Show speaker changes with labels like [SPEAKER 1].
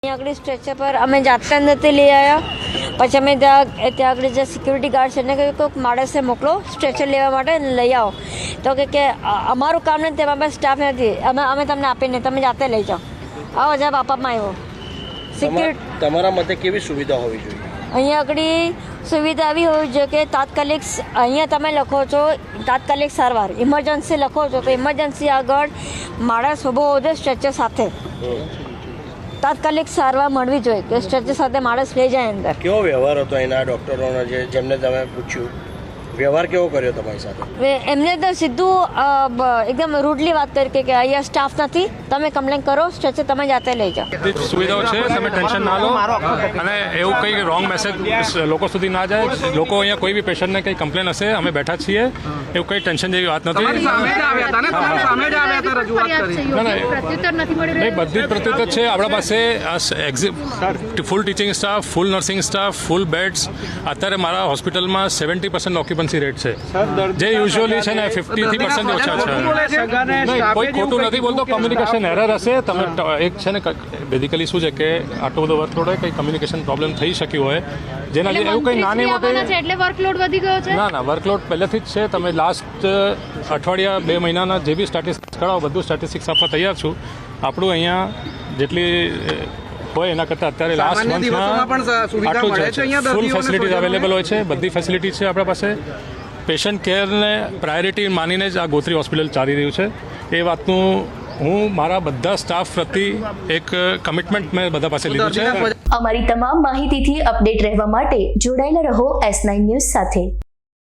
[SPEAKER 1] આગળ સ્ટ્રેચર પર અમે જાતે અંદરથી લઈ આવ્યા, પછી અમે ત્યાં આગળ જે સિક્યુરિટી ગાર્ડ છે એને કહ્યું કોઈક માણસે મોકલો સ્ટ્રેચર લેવા માટે લઈ આવો. તો કે અમારું કામ નથી, તેમાં પાસે સ્ટાફ નથી, અમે તમને આપીને તમે જાતે લઈ જાઓ. આવો જવાબ આપવામાં આવ્યો. સિક્યુરિટી
[SPEAKER 2] તમારા મતે કેવી સુવિધા હોવી જોઈએ?
[SPEAKER 1] અહીંયા આગળ સુવિધા આવી હોવી જોઈએ કે તાત્કાલિક અહીંયા તમે લખો છો તાત્કાલિક સારવાર, ઇમરજન્સી લખો છો તો ઇમરજન્સી આગળ માણસ ઊભો હોવો જોઈએ સ્ટ્રેચર સાથે. તાત્કાલિક સારવાર મળવી જોઈએ કે સ્ટ્રેચર સાથે માણસ લઈ જાય અંદર.
[SPEAKER 2] કેવો વ્યવહાર હતો એના ડૉક્ટરોનો જેમને તમે પૂછ્યું, વ્યવહાર કેવો કર્યો તમારી સાથે?
[SPEAKER 1] એમને તો સીધું એકદમ રૂડલી વાત કરી કે અહીંયા સ્ટાફ નથી, તમે કમ્પ્લેન કરો, સ્ટ્રેચર તમે જાતે લઈ જાઓ.
[SPEAKER 3] બધી સુવિધાઓ છે, તમે ટેન્શન ના લો. અને એવું કંઈ રોંગ મેસેજ લોકો સુધી ના જાય. લોકો અહીંયા કોઈ બી પેશન્ટને કંઈ કમ્પ્લેન હશે, અમે બેઠા છીએ, એવું કંઈ ટેન્શન જેવી વાત નથી. નહીં, બધી જ પ્રત્યુત્તર છે આપણા પાસે. Full teaching staff, full nursing staff, full beds. અત્યારે મારા હોસ્પિટલમાં 70% ઓક્યુપન્સી રેટ છે, જે યુઝ્યુઅલી છે ને 50% ઓછા છે. નહીં, કોઈ ખોટું નથી બોલતો, કમ્યુનિકેશન એરર હશે. તમે એક છે ને બેઝિકલી શું છે કે આટલો બધો વર્કલોડ હોય, કંઈ કમ્યુનિકેશન પ્રોબ્લેમ થઈ શક્યું હોય, જેના લીધે એવું કંઈ નાની મોટી
[SPEAKER 4] એટલે વર્કલોડ વધી ગયો છે.
[SPEAKER 3] ના, વર્કલોડ પહેલેથી જ છે. તમે લાસ્ટ અઠવાડિયા 2 મહિનાના જે બી સ્ટેટિસ્ટિક્સ કરાવો, બધું સ્ટેટિસ્ટિક્સ આપવા તૈયાર છું. આપણું અહીંયા જેટલી હોય એના કરતાં અત્યારે લાસ્ટ મંથમાં આટલું છે. ફૂલ ફેસિલિટીઝ અવેલેબલ હોય છે, બધી ફેસિલિટી છે આપણા પાસે. પેશન્ટ કેરને પ્રાયોરિટી માનીને જ આ ગોત્રી હોસ્પિટલ ચાલી રહ્યું છે. એ વાતનું હું મારા બધા સ્ટાફ પ્રત્યે એક કમિટમેન્ટ મેં બધા પાસે લીધું છે.
[SPEAKER 5] અમારી તમામ માહિતીથી અપડેટ રહેવા માટે જોડાયેલા રહો S9 ન્યૂઝ સાથે.